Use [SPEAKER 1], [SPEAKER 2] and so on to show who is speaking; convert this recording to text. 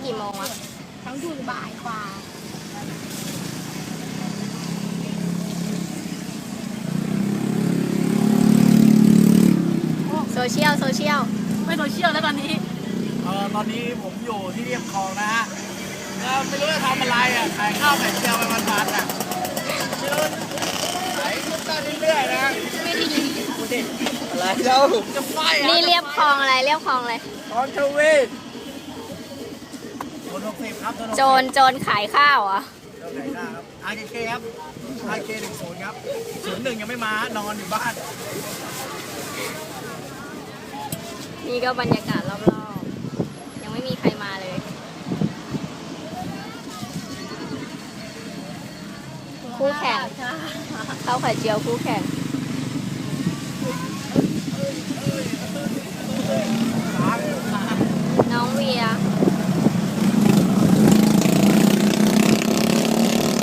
[SPEAKER 1] กี่โมงอะ
[SPEAKER 2] ทั้งหยุดบ่ายกว่า
[SPEAKER 1] โซเชียล
[SPEAKER 2] ไม่โซเชียลแล้วตอนนี้
[SPEAKER 3] ตอนนี้ผมอยู่ที่เรียบคลองนะฮะไม่รู้จะทำอะไรอ่ะขายข้าวไข่เจียวไปวันๆอ่ะไม่รู้ขายลูกตาเรื่อยๆนะอะไรเล่าจะไฟอ่ะ
[SPEAKER 1] นี่เรียบคลองอะไรเรียบคลองอะไร
[SPEAKER 3] คลองทวีโดน60ครับ
[SPEAKER 1] โจรขายข้าวเหรอ่ะ
[SPEAKER 3] โดนไหนได้ครับ RKK ครับ RK10 ครับ01ยังไม่มานอนอยู่บ้าน
[SPEAKER 1] นี่ก็บรรยากาศรอบๆยังไม่มีใครมาเลยคู่แข่งข้าวไข่เจียวคู่แข่ง